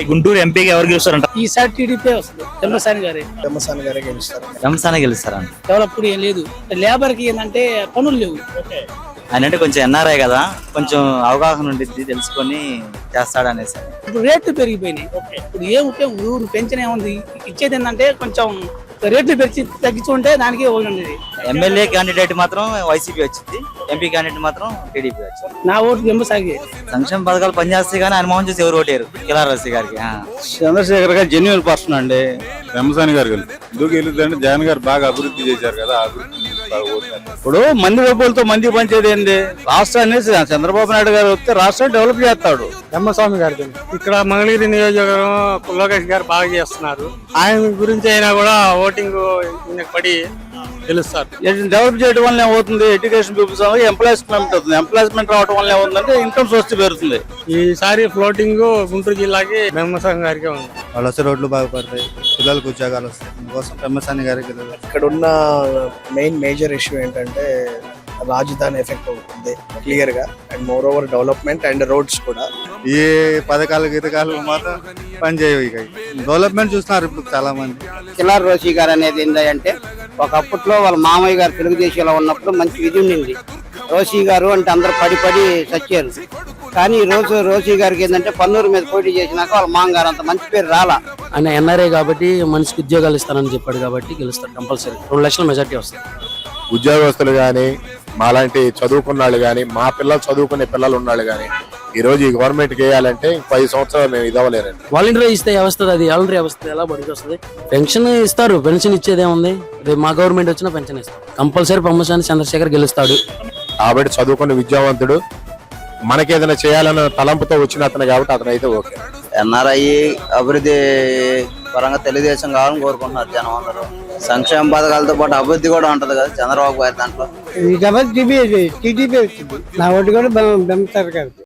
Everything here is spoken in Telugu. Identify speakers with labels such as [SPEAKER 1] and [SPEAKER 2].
[SPEAKER 1] గుంటూరు ఎంపీకి ఎవరు గెలుస్తారంట?
[SPEAKER 2] ఈసారి టీడీపీ వస్తుంది.
[SPEAKER 3] పెమ్మసాని గారే గెలుస్తారు.
[SPEAKER 1] రంసానే గెలుస్తారంట.
[SPEAKER 2] డెవలప్ ఏం లేదు. లేబర్ కి ఏంటంటే పనులు లేవు.
[SPEAKER 1] ఆయన అంటే కొంచెం ఎన్ఆర్ఐ కదా, కొంచెం అవగాహన ఉండిద్ది, తెలుసుకొని చేస్తాడు అనేసి.
[SPEAKER 2] ఇప్పుడు రేట్లు పెరిగిపోయినాయి. ఇప్పుడు ఏం ఊరు పెంచిన ఏముంది, ఇచ్చేది ఏంటంటే కొంచెం రేట్లు పెంచి తగ్గించుకుంటే దానికి ఉండేది.
[SPEAKER 1] ఎమ్మెల్యే క్యాండిడేట్ మాత్రం వైసీపీ వచ్చింది, ఎంపీ క్యాండిడేట్ మాత్రం టీడీపీ వచ్చింది.
[SPEAKER 2] నా ఓటు పెంబసాగి.
[SPEAKER 1] సంక్షేమ పథకాలు పనిచేస్తాయి కానీ ఆయన మోహన్ చూసి ఎవరు ఓటేరు కిలారసి గారికి.
[SPEAKER 4] చంద్రశేఖర్ గారు జెన్యున్ పర్సన్ అండి. పెమ్మసాని గారు ఎందుకు గెలుద్దంటే జగన్ గారు బాగా అభివృద్ధి చేశారు కదా, అభివృద్ధి ఇప్పుడు మంది డబ్బులతో మంది పంచేది ఏంది? రాష్ట్రాన్ని చంద్రబాబు నాయుడు గారు వస్తే రాష్ట్రాన్ని డెవలప్ చేస్తాడు.
[SPEAKER 3] పెమ్మస్వామి గారి ఇక్కడ మంగళగిరి నియోజకవర్గం లోకేష్ గారు బాగా చేస్తున్నారు. ఆయన గురించి అయినా కూడా ఓటింగ్ పడి తెలుస్తారు.
[SPEAKER 4] డెవలప్ చేయడం వల్ల ఏమవుతుంది? ఎడ్యుకేషన్ పీపుల్స్ ఎంప్లాయ్మెంట్ అవుతుంది. ఎంప్లాయ్మెంట్ రావడం వల్ల ఏమవుతుందంటే ఇన్కమ్ సోర్స్ పెరుగుతుంది.
[SPEAKER 3] ఈసారి ఫ్లోటింగ్ గుంటూరు జిల్లాకి పెమ్మస్వామి గారికి ఉంది.
[SPEAKER 4] వాళ్ళు వస్తే రోడ్లు బాగుపడతాయి, పిల్లలకు ఉద్యోగాలు వస్తాయి. అందుకోసం పెమ్మసాని గారికి.
[SPEAKER 3] ఇక్కడ ఉన్న మేజర్ ఇష్యూ ఏంటంటే రాజధాని ఎఫెక్ట్ అవుతుంది క్లియర్ గా, and moreover development and roads కూడా.
[SPEAKER 4] ఏ పథకాలు గీతకాలు మాత్రం పనిచేయవు. ఇక డెవలప్మెంట్ చూస్తున్నారు ఇప్పుడు చాలా మంది.
[SPEAKER 5] కిలార్ రోషి గారు అనేది ఏంటంటే ఒకప్పట్లో వాళ్ళ మామయ్య గారు తెలుగుదేశంలో ఉన్నప్పుడు మంచి విధి ఉండింది. రోషి గారు అంటే అందరు పడి చచ్చారు. కానీ ఈ రోజు రోషి గారికి ఏంటంటే పన్నూరు మీద పోటీ చేసినాక వాళ్ళ మామగారు అంత మంచి పేరు రాలా.
[SPEAKER 2] ఆయన ఎన్ఆర్ఐ కాబట్టి మనిషికి ఉద్యోగాలు ఇస్తానని చెప్పాడు కాబట్టి గెలుస్తాడు కంపల్సరీ. 2 లక్షల మెజార్టీ వస్తుంది.
[SPEAKER 6] ఉద్యోగస్తులు గాని, మాలాంటి చదువుకున్న వాళ్ళు గాని, మా పిల్లలు చదువుకునే పిల్లలు ఉన్నాళ్ళు గాని ఈ రోజు ఈ గవర్నమెంట్ కి వేయాలంటే 5 సంవత్సరాలు మేము ఇదవలేరండి.
[SPEAKER 2] వాలంటీర్ ఇస్తే వస్తుంది, అది వాలంటీర్ వ్యవస్థ ఎలా బడికి వస్తుంది? పెన్షన్ ఇస్తారు, పెన్షన్ ఇచ్చేది ఏముంది? రేపు మా గవర్నమెంట్ వచ్చినా పెన్షన్ ఇస్తారు. కంపల్సరీ పెమ్మసాని చంద్రశేఖర్ గెలుస్తాడు.
[SPEAKER 6] కాబట్టి చదువుకున్న విద్యావంతుడు, మనకేదైనా చేయాలన్న తలంపుతో వచ్చిన అతను కాబట్టి అతను అయితే ఓకే.
[SPEAKER 1] ఎన్ఆర్ఐ అభివృద్ధి పరంగా తెలుగుదేశం కావాలని కోరుకుంటున్నారు జనం అందరూ. సంక్షేమ పథకాలతో పాటు అభివృద్ధి కూడా ఉంటది కదా చంద్రబాబు గారి దాంట్లో.
[SPEAKER 2] టీడీపీ వచ్చింది. నా ఓటు కూడా బెంబసారి గారికి.